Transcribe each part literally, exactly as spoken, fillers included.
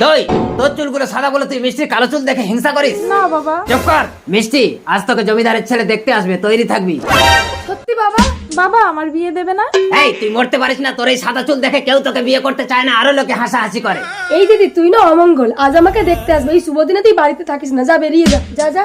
দই, তোর চুলগুলো সাদা বলে তুই মিষ্টির কালো চুল দেখে হিংসা করিস? না বাবা। চুপ কর। মিষ্টি, আজ তোকে জমিদারের ছেলে দেখতে আসবে, তৈরি থাকবি। সত্যি বাবা? বাবা আমার বিয়ে দেবে না? এই তুই মরতে পারিস না, তোর এই সাদা চুল দেখে কেউ তোকে বিয়ে করতে চায় না, আরো লোকে হাসাহাসি করে। এই দিদি তুই না অমঙ্গল, আজ আমাকে দেখতে আসবে, এই শুভ দিনে তুই বাড়িতে থাকিস না, যা বেরিয়ে যা, যা যা।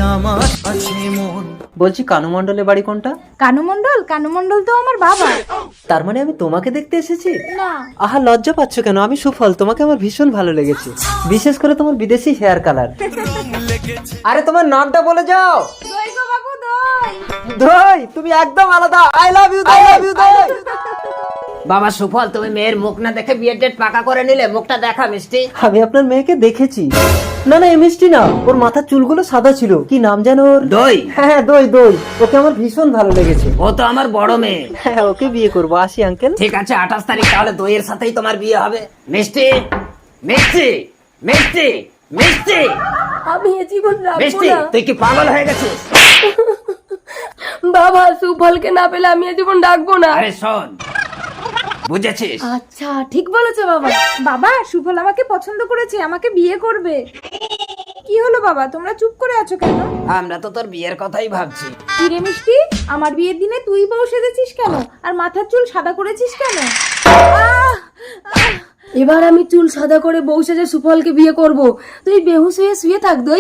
বলছি কানু মণ্ডলের বাড়ি কোনটা? কানু মণ্ডল? কানু মণ্ডল তো আমার বাবা। তার মানে আমি তোমাকে দেখতে এসেছি? না। আহা লজ্জা পাচ্ছ কেন? আমি সুফল, তোমাকে আমার ভীষণ ভালো লেগেছে, বিশেষ করে তোমার বিদেশি হেয়ার কালার। আরে তোমার নামটা বলে যাও। দই গো বাবু, দই। দই, তুমি একদম আলাদা। I love you, I love you দই। বাবা সুফল, তুমি মেয়ের মুখ না দেখে বিয়ের ডেট পাকা করে নিলে, মুখটা দেখা মিষ্টি। আমি আপনার মেয়েকে দেখেছি। না না, এই মিষ্টি না, ওর মাথার চুলগুলো সাদা ছিল। কি নাম যেন ওর? দই। হ্যাঁ দই, দই। ওকে আমার ভীষণ ভালো লেগেছে। ও তো আমার বড় মেয়ে। হ্যাঁ, ওকে বিয়ে করবো। আসি আঙ্কেল। ঠিক আছে, আঠাশ তারিখ তাহলে দইয়ের সাথেই তোমার বিয়ে হবে। মিষ্টি, মিষ্টি, মিষ্টি, মিষ্টি, আমি এ জীবন রাখবো মিষ্টি, না। তুই কি পাগল হয়ে গেছিস? বাবা সুফলকে না পেলে আমি এ জীবন ডাকবো না। আরে শোন, বুঝেছিস? আচ্ছা ঠিক বলেছো বাবা। বাবা সুফল আমাকে পছন্দ করেছে, আমাকে বিয়ে করবে। কি হলো বাবা, তোমরা চুপ করে আছো কেন? আমরা তো তোর বিয়ের কথাই ভাবছি। কি রে মিষ্টি, আমার বিয়ের দিনে তুই বউ সেজেছিস কেন, আর মাথার চুল সাদা করেছিস কেন? আহ! আহ! এবার আমি চুল সাদা করে বউ সেজে সুফলকে বিয়ে করব, তুই বেহুশ হয়ে শুয়ে থাক দই।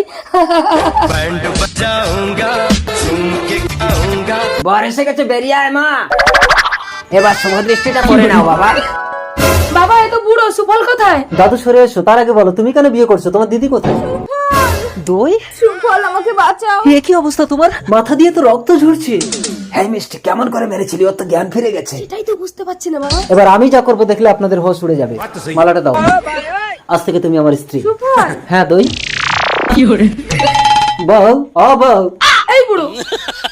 বর এসে গেছে, বেরিয়ে আয় মা। এবার শুভ দৃষ্টিটা করে নাও বাবা। বাবা এত বুড়ো, সুফল কোথায়? দাদু সরে এসো। তার আগে বলো তুমি কেন বিয়ে করছো? তোমার দিদি কোথায়? দই, সুফল আমাকে বাঁচাও। এ কি অবস্থা তোমার? মাথা দিয়ে তো রক্ত ঝরছে। হ্যাঁ মিষ্টি, কেমন করে মেরেছিলি? ওর তো জ্ঞান ফিরে গেছে। এটাই তো বুঝতে পারছি না বাবা। এবার আমি যা করবো দেখলে আপনাদের হোশ উড়ে যাবে। মালাটা দাও, আজ থেকে তুমি আমার স্ত্রী। সুফল। হ্যাঁ দই। বউ, ও বউ। এই বুড়ো